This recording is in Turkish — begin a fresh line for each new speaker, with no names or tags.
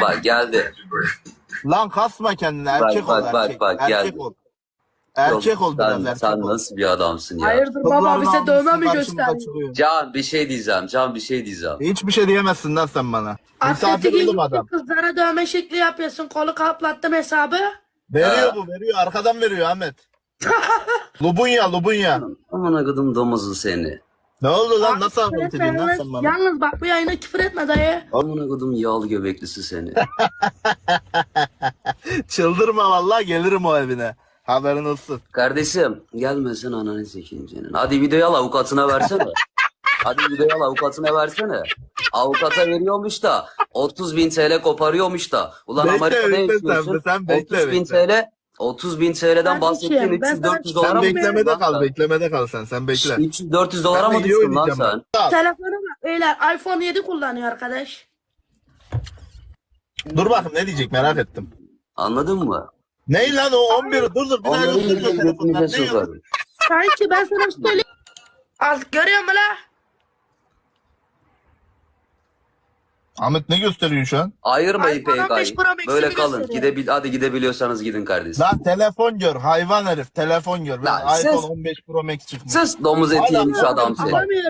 bak geldi.
Lan kasma kendini, erkek ol, erkek.
Bak,
Erkek
geldi.
ol. Erkek ol biraz, erkek
Sen
ol.
nasıl bir adamsın ya?
Hayırdır baba
Kızların
bize dövme
namusunu
mi
karşımıza
gösteriyor?
çıkıyor.
Can bir şey diyeceğim. Can bir şey diyeceğim.
Hiçbir şey diyemezsin lan sen bana. Misafir
Atletik
oğlum
ilgili
adam.
kızlara dövme şekli yapıyorsun. Kolu kaplattım hesabı.
Veriyor
Ha.
bu, veriyor. Arkadan veriyor Ahmet. Lubunya, lubunya.
Aman akıdım domuzu seni.
Ne oldu lan? Nasıl
Küfür
anlat
etme
ediyorsun lan
yalnız.
sen bana?
Yalnız bak bu yayına küfür etme dayı.
Aman akıdım yağlı göbeklisi seni.
Çıldırma vallahi, gelirim o evine. Haberin olsun.
Kardeşim gelmesin ananı sekincenin. Hadi videoyu al avukatına versene. Hadi videoyu al avukatına versene. Avukata veriyormuş da 30.000 TL koparıyormuş da. Ulan
Bekle,
Amerika'da
bekle
yaşıyorsun.
sen bekle,
30.000 TL 30.000 TL'den
Kardeşim,
bahsettiğin
ben
300-400
sana-
dolara
Sen
mı
beklemede
düştün lan
kal,
sen?
beklemede kal sen bekle.
300-400 dolara
Ben de
mı
iyi
düştün lan
oynayacağım
sen?
bak.
Telefonu bak beyler iPhone 7 kullanıyor arkadaş.
Dur bakayım ne diyecek, merak ettim.
Anladın mı?
Ney lan o 11? Dur bir daha
Onların
göster o telefonlar.
götünüze
Ne
sokar.
Sanki ben sana bir şey söyleyeyim. Az görüyor musun la?
Ahmet ne gösteriyor şu an?
Ayırmayın
iPhone 15
PK'yı.
Pro Max'i
Böyle
mi
kalın.
gösteriyor?
Hadi gidebiliyorsanız gidin kardeşim.
Lan telefon gör, hayvan herif, telefon gör.
Lan
Ben iPhone
siz-
15 Pro Max çıkmış.
Sus domuz eti
Hala-
yemiş adam seni.
Anlamıyorum.